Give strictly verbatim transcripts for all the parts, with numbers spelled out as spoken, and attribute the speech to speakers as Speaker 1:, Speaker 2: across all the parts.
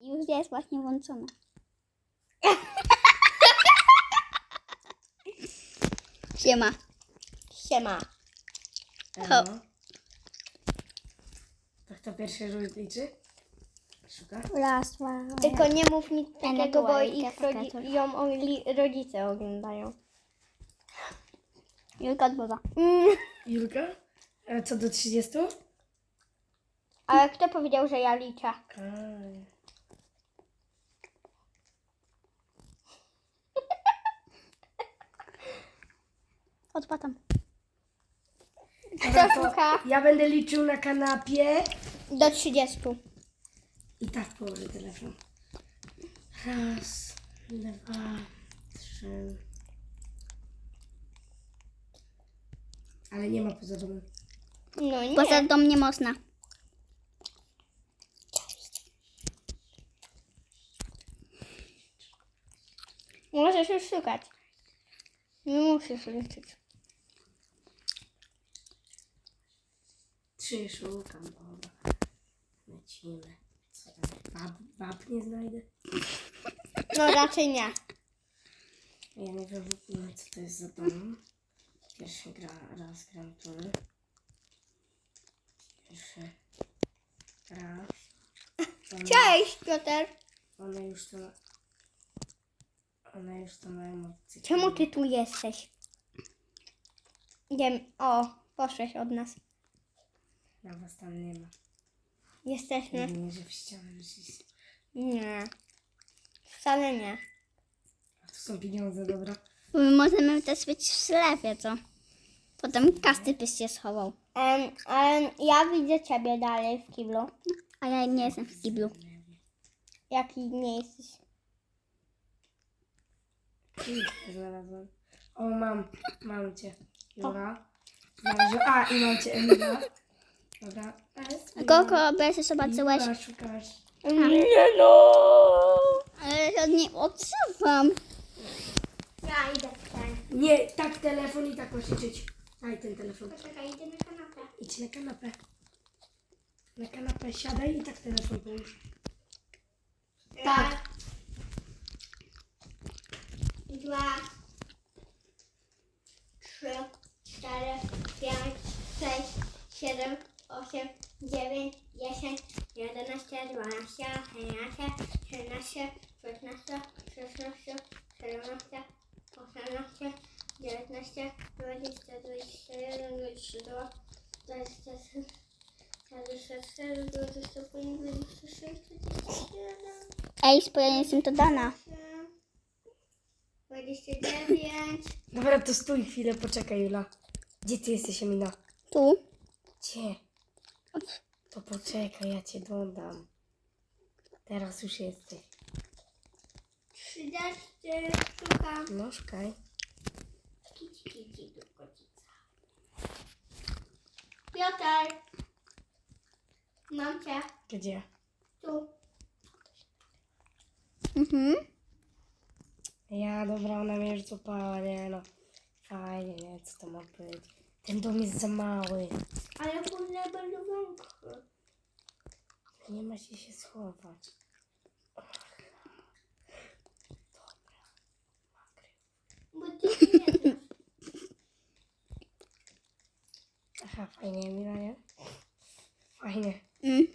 Speaker 1: Już jest właśnie włączona. Siema.
Speaker 2: Siema.
Speaker 3: Elo. Tak to pierwszy rzut liczy? Szuka?
Speaker 1: Raz, dwa,
Speaker 2: Tylko nie mów nic
Speaker 1: Ena
Speaker 2: takiego, bo
Speaker 1: była
Speaker 2: ich
Speaker 1: jaka
Speaker 2: rodzi-
Speaker 1: taka.
Speaker 2: ją oli- rodzice oglądają.
Speaker 1: Julka odbywa.
Speaker 2: Mm.
Speaker 3: Julka? A co do trzydziestu?
Speaker 2: Ale kto powiedział, że ja liczę?
Speaker 3: Aj.
Speaker 1: Odpatam.
Speaker 3: Dobra,
Speaker 2: Kto
Speaker 3: to
Speaker 2: szuka?
Speaker 3: ja będę liczył na kanapie
Speaker 2: Do trzydziestu.
Speaker 3: i tak położę telefon. Raz, dwa, trzy. Ale nie ma poza domem.
Speaker 2: No nie.
Speaker 1: Poza dom nie można.
Speaker 2: Możesz już szukać. Nie musisz liczyć.
Speaker 3: Trzy szukam, dobra. Lecimy. Co tam? Bab, bab nie znajdę?
Speaker 2: No raczej nie.
Speaker 3: Ja nie wiem w ogóle co to jest za dom. Pierwszy gra, raz gram tu. Pierwszy raz. One,
Speaker 2: Cześć, Piotr.
Speaker 3: one już to... One już to mają motocykl.
Speaker 2: Czemu ty tu jesteś? Wiem. O, poszłeś od nas.
Speaker 3: Ja was tam nie ma.
Speaker 2: Jesteśmy.
Speaker 3: Jedynie, że w ścianę wyszliście.
Speaker 2: Nie. Wcale nie.
Speaker 3: A tu są pieniądze, dobra.
Speaker 1: My możemy też być w sklepie, co? Potem każdy byś się schował.
Speaker 2: Em, em, ja widzę ciebie dalej w kiblu.
Speaker 1: A ja nie jestem w kiblu.
Speaker 2: Jaki nie jesteś.
Speaker 3: Kilka znalazłem. O, mam. Mam cię. Jura. Znalazłem. A, i mam cię, Emila. Dobra.
Speaker 1: Koko, bo się zobaczyłeś.
Speaker 3: Jura, szukasz.
Speaker 2: Nie no!
Speaker 1: Ale ja nie odsuwam.
Speaker 2: Ja idę w ten.
Speaker 3: Nie, tak telefon i tak masz liczyć. Daj ten telefon.
Speaker 2: Poczekaj, idę na kanapę.
Speaker 3: Idź na kanapę. Na kanapę siadaj i tak telefon połóż. Tak.
Speaker 2: Dwa, trzy, cztery, pięć, sześć, siedem, osiem, dziewięć, dziesięć, jedenaście, dwanaście, trzynaście, trzynaście, szesnaście, szesnaście, siedemnaście, osiemnaście, dziewiętnaście, dwadzieścia, dwadzieścia jeden, dwadzieścia dwa, dwadzieścia trzy, dwadzieścia cztery, dwadzieścia pięć, dwadzieścia sześć, dwadzieścia siedem.
Speaker 1: Ej, spokojnie, jestem to Dana.
Speaker 2: dwadzieścia dziewięć.
Speaker 3: Dobra, to stój chwilę, poczekaj, Jula. Gdzie ty jesteś, Emila?
Speaker 1: Tu.
Speaker 3: Gdzie? To poczekaj, ja cię dodam. Teraz już jesteś.
Speaker 2: trzydzieści. Szukam.
Speaker 3: No, szukaj.
Speaker 2: Kici, kici, tu kocica. Piotr. Mam cię.
Speaker 3: Gdzie?
Speaker 2: Tu.
Speaker 1: Mhm.
Speaker 3: Ja, dobra, ona mnie już złapała, nie no. Fajnie, nie, co to ma być. Ten dom jest za mały.
Speaker 2: Ale później będą węgry.
Speaker 3: Nie ma się się schować.
Speaker 2: Bo ty nie znasz.
Speaker 3: Aha, fajnie, Emila, nie? Fajnie.
Speaker 1: Mm.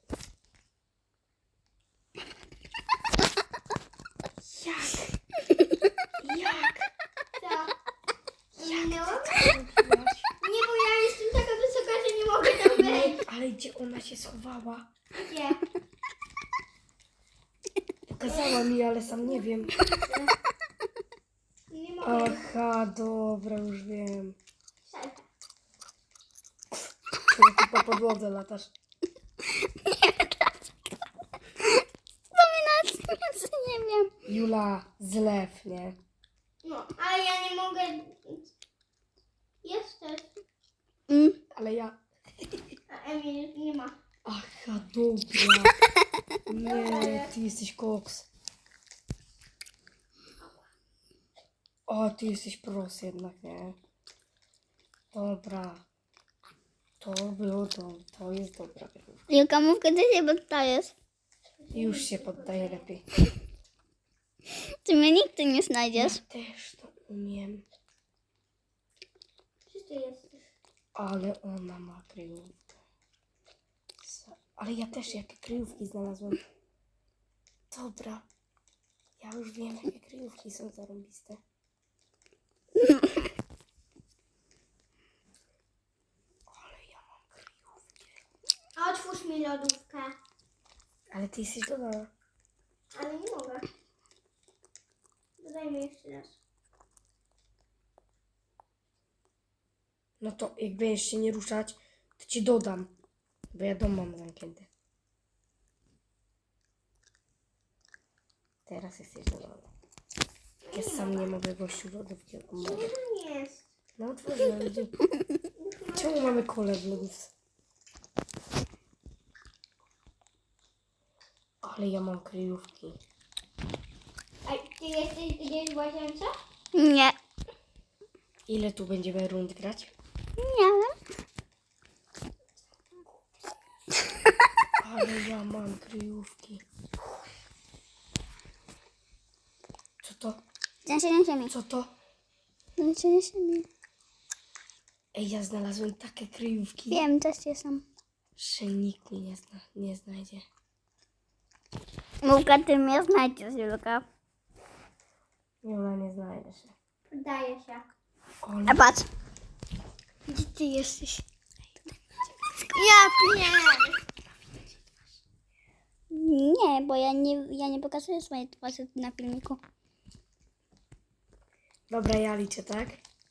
Speaker 3: Jak? Jak?
Speaker 2: Co? Minęło?
Speaker 3: Jak?
Speaker 2: Nie, bo ja jestem taka wysoka, że nie mogę tam wejść.
Speaker 3: Ale gdzie ona się schowała?
Speaker 2: Gdzie?
Speaker 3: Pokazała mi, ale sam nie wiem.
Speaker 2: Nie mogę.
Speaker 3: Aha, dobra, już wiem.
Speaker 2: Szalka.
Speaker 3: Czemu ty po podłodze latasz?
Speaker 1: Dominacja, nie wiem.
Speaker 3: Jula, zlew, nie?
Speaker 2: No, ale ja nie mogę. Jesteś.
Speaker 1: Mm.
Speaker 3: Ale ja...
Speaker 2: A Emil nie ma.
Speaker 3: Aha, dobra. Nie, ty jesteś koks. O, ty jesteś pros jednak, nie? Dobra. To było to. To jest dobra wyrówka.
Speaker 1: Julka, mów, kiedy się dostajesz.
Speaker 3: Już się poddaję lepiej.
Speaker 1: Ty mnie nigdy nie znajdziesz.
Speaker 3: Ja też to umiem.
Speaker 2: Gdzie ty jesteś?
Speaker 3: Ale ona ma kryjówkę. Co? Ale ja też jakie kryjówki znalazłem. Dobra. Ja już wiem, jakie kryjówki są zarąbiste. Ale ja mam kryjówkę.
Speaker 2: A otwórz mi lodówkę.
Speaker 3: Ale ty jesteś dodana.
Speaker 2: Ale nie mogę. Dodaj mi jeszcze raz.
Speaker 3: No to jak będziesz się nie ruszać, to ci dodam. Bo ja dom mam zamknięty. Teraz jesteś dodana. Ja sam nie mogę gościu lodówki
Speaker 2: Gdzie
Speaker 3: oglądać.
Speaker 2: to jest?
Speaker 3: No otworzyłem. Gdzie? Czemu mamy kolę w lodówce? Ale ja mam kryjówki.
Speaker 2: A ty jesteś gdzieś w łazience?
Speaker 1: Nie.
Speaker 3: Ile tu będziemy rund grać?
Speaker 1: Nie wiem.
Speaker 3: Ale ja mam kryjówki. Co to?
Speaker 1: Trzęsienie ziemi.
Speaker 3: Co to?
Speaker 1: Trzęsienie ziemi.
Speaker 3: Ej, ja znalazłem takie kryjówki,
Speaker 1: Wiem, też jestem.
Speaker 3: że nikt mnie nie, zna, nie znajdzie.
Speaker 1: Mówka, ty mnie znajdziesz, Julka.
Speaker 3: Jula, nie znajdzie się.
Speaker 2: Poddaję się.
Speaker 3: Ale...
Speaker 1: A patrz.
Speaker 2: Gdzie ty jesteś? Ja pierdolę.
Speaker 1: Nie, bo ja nie, ja nie pokazuję swojej twarzy na filmiku.
Speaker 3: Dobra, ja liczę, tak?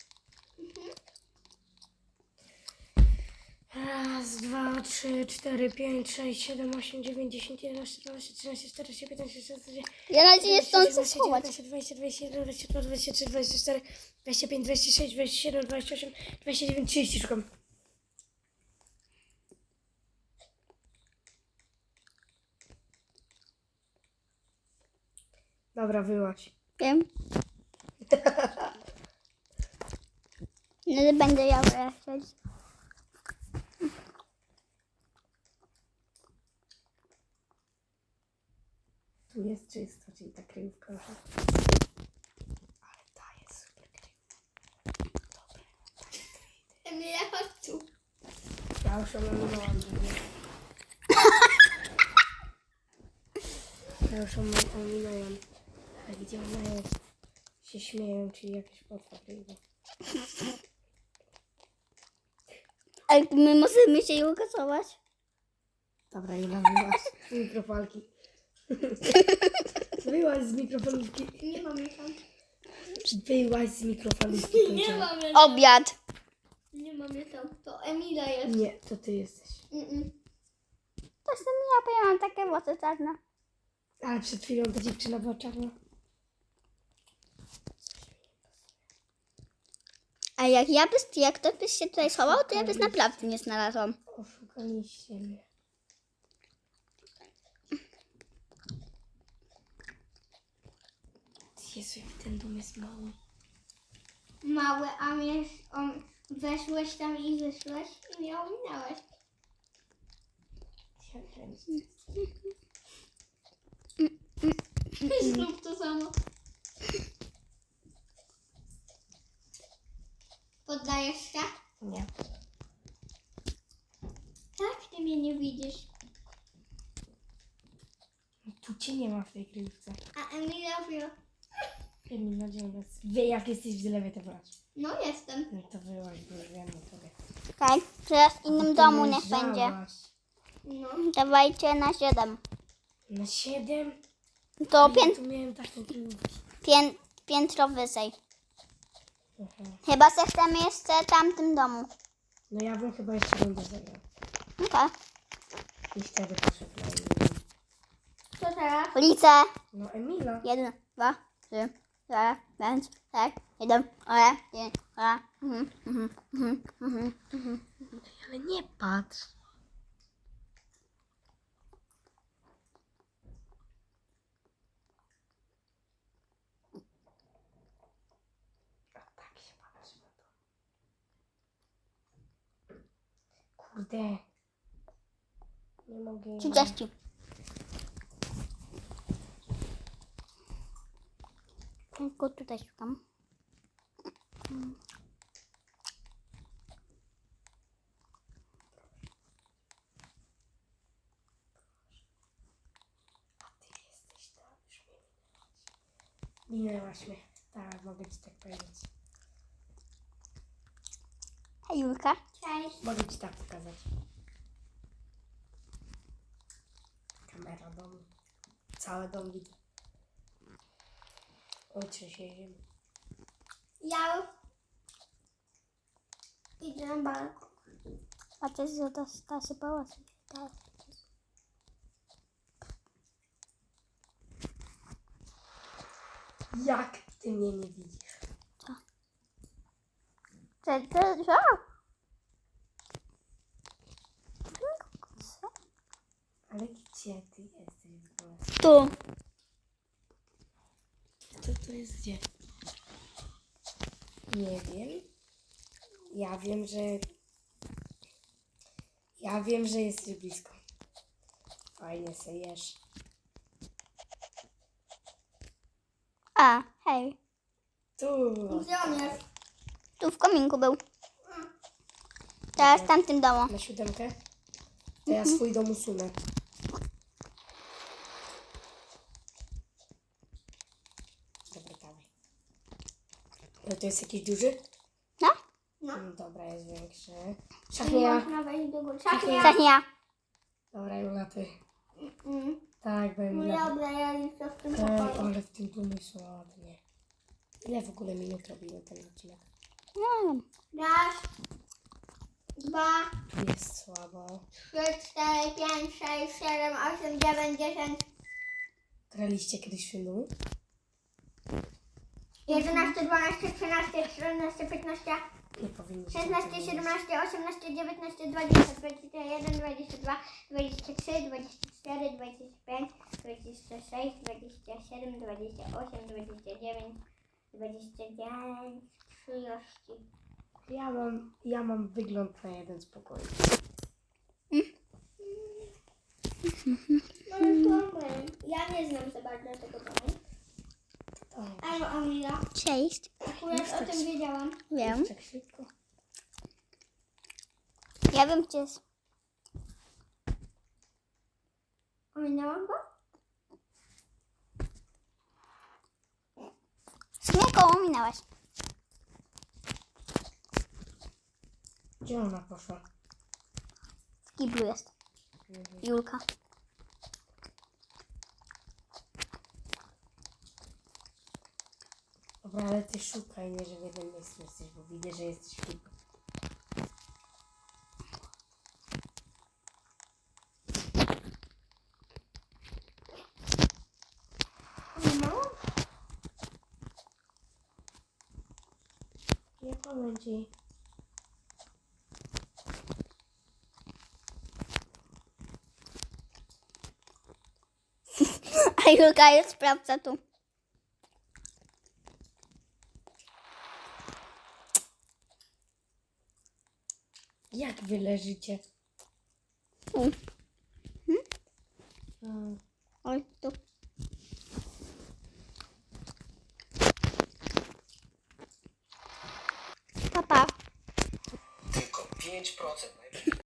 Speaker 3: Raz, dwa, trzy, cztery, pięć, sześć, siedem, osiem, dziewięć, dziesięć, jedenaście, dwanaście, trzynaście, czternaście, piętnaście, szesnaście,
Speaker 1: Ja na razie nie stąd
Speaker 3: dwadzieścia,
Speaker 1: schować.
Speaker 3: dwadzieścia, dwadzieścia, dwadzieścia jeden, dwadzieścia dwa, dwadzieścia trzy, dwadzieścia cztery, dwadzieścia pięć, dwadzieścia sześć, dwadzieścia siedem, dwadzieścia osiem, dwadzieścia dziewięć, trzydzieści szukam. Dobra, wyłaź.
Speaker 1: Wiem. No, będę ja wyjaśniać.
Speaker 3: Tu jest czysto, czyli ta kryjówka już. Ale ta jest super kryjówka. Dobra,
Speaker 2: Emilia, chodź tu.
Speaker 3: ja już ją ominąłam. Ja już ją ominąłem. A gdzie ona jest? Się śmieją, czyli jakieś potwa kryjówka.
Speaker 1: Ale my możemy się ją kasować.
Speaker 3: Dobra, Jula, wyłaź z mikrofalki. Wyłaź z mikrofalówki.
Speaker 2: Nie mam jej tam.
Speaker 3: Wyłaź z mikrofalówki.
Speaker 2: Nie
Speaker 3: powiedziałam.
Speaker 2: mam jej tam.
Speaker 1: Obiad.
Speaker 2: Nie mam jej tam. To Emila jest.
Speaker 3: Nie, to ty jesteś.
Speaker 2: Mm-mm.
Speaker 1: To jestem ja, bo ja mam takie włosy czarne.
Speaker 3: Ale przed chwilą ta dziewczyna była czarna.
Speaker 1: A jak ja byś, jak ktoś byś się tutaj schował, to ja byś naprawdę nie znalazłam.
Speaker 3: Oszukaliście mnie. Jezu, jak ten dom jest mały.
Speaker 2: Mały, a mnie on, weszłeś tam i wyszłeś i mnie ominąłeś.
Speaker 3: Ja wiem.
Speaker 2: Znów to samo. Poddajesz się?
Speaker 3: Nie.
Speaker 2: Tak, ty mnie nie widzisz.
Speaker 3: Tu cię nie ma w tej kryjówce.
Speaker 2: A Emilia wie.
Speaker 3: Emil, gdzie ona jest? Wie, jak jesteś w zlewie, to wyłaź.
Speaker 2: No jestem.
Speaker 3: No to wyłaź, bo już wiem o tobie.
Speaker 1: Tak, teraz w innym
Speaker 3: Ty
Speaker 1: domu niech
Speaker 3: leżałaś.
Speaker 1: będzie.
Speaker 2: No.
Speaker 1: Dawajcie na siedem.
Speaker 3: Na siedem?
Speaker 1: To
Speaker 3: Ja
Speaker 1: pię,
Speaker 3: tu miałem taką kryjówkę.
Speaker 1: pię, piętro wyżej.
Speaker 3: Aha.
Speaker 1: Chyba że chcemy jeszcze w tamtym domu.
Speaker 3: No ja bym chyba jeszcze będę zagrał.
Speaker 1: Okej.
Speaker 3: I wtedy poszedł na Emila.
Speaker 2: Co teraz?
Speaker 1: Ulice.
Speaker 3: No Emila.
Speaker 1: Jeden, dwa, trzy, cztery, pięć, sześć, siedem, osiem, dziewięć, dwa, mhm, mhm, mhm, mhm, mhm.
Speaker 3: Ale nie patrz. A tak się patrzy na to. Kurde. Nie mogę.
Speaker 1: trzydzieści. Tylko tutaj szukam.
Speaker 3: A ty jesteś tam, już mnie minęłaś. Minęłaś mnie. Tak, mogę ci tak powiedzieć.
Speaker 1: Hej Julka.
Speaker 2: Cześć.
Speaker 3: Mogę ci tak pokazać. Kamera dom. Cały dom widzę. Oj, trzęsienie.
Speaker 2: Ja idę na balkon.
Speaker 1: Patrzę, że to ta się pałac.
Speaker 3: Jak ty mnie nie widzisz?
Speaker 1: Co? Co? Co?
Speaker 3: Ale gdzie ty jesteś w ogóle?
Speaker 1: Tu.
Speaker 3: Co to jest gdzie? Nie wiem. Ja wiem, że... Ja wiem, że jesteś blisko. Fajnie se jesz.
Speaker 1: A, hej.
Speaker 3: Tu.
Speaker 2: Gdzie on jest?
Speaker 1: Tu w kominku był. Teraz w tamtym domu.
Speaker 3: Na siódemkę? To ja swój dom usunę. Dobra, dawaj. Ale to jest jakiś duży?
Speaker 1: No?
Speaker 2: No.
Speaker 3: Mm, Dobra, jest większy.
Speaker 2: Nie
Speaker 3: Szachnia.
Speaker 2: można wejść do góry.
Speaker 3: Szachnia.
Speaker 1: Tak nie ja.
Speaker 3: Dobra, Jula, ty.
Speaker 2: Mm.
Speaker 3: Tak, bo
Speaker 2: No
Speaker 3: Emilia.
Speaker 2: dobra, ja liczę w tym
Speaker 3: Ej,
Speaker 2: pokoju.
Speaker 3: ale w tym domu jest ładnie. Ile w ogóle minut robimy ten odcinek?
Speaker 1: Nie wiem.
Speaker 2: Raz, dwa,
Speaker 3: Tu jest słabo.
Speaker 2: trzy, cztery, pięć, sześć, siedem, osiem, dziewięć, dziesięć,
Speaker 3: Graliście kiedyś w tym domu?
Speaker 2: jedenaście, dwanaście, trzynaście, czternaście, piętnaście,
Speaker 3: Nie powinniście.
Speaker 2: szesnaście,
Speaker 3: tego
Speaker 2: siedemnaście, osiemnaście, dziewiętnaście, dwadzieścia, dwadzieścia jeden, dwadzieścia dwa, dwadzieścia trzy, dwadzieścia cztery, dwadzieścia pięć, dwadzieścia sześć, dwadzieścia siedem, dwadzieścia osiem, dwadzieścia dziewięć, dwadzieścia dziewięć, trzydzieści.
Speaker 3: Ja mam, ja mam wygląd na jeden z pokoi.
Speaker 2: No już mamy. Ja nie znam za bardzo tego domu.
Speaker 3: Tak.
Speaker 2: Albo Amila.
Speaker 1: Cześć.
Speaker 2: Akurat o tym wiedziałam.
Speaker 1: Wiem.
Speaker 3: Tak szybko.
Speaker 1: Ja wiem, gdzie jest.
Speaker 2: Ominęłam go?
Speaker 1: Z mnie koło minęłaś.
Speaker 3: Gdzie ona poszła?
Speaker 1: W kiblu jest. Julka.
Speaker 3: Dobra, ale ty szukaj, nie, że w jednym miejscu jesteś, bo widzę, że jesteś w kilku.
Speaker 2: Ominęłam?
Speaker 3: Nie powiem ci.
Speaker 1: A Julka jest sprawdza tu.
Speaker 3: Jak wy leżycie?
Speaker 1: Tu.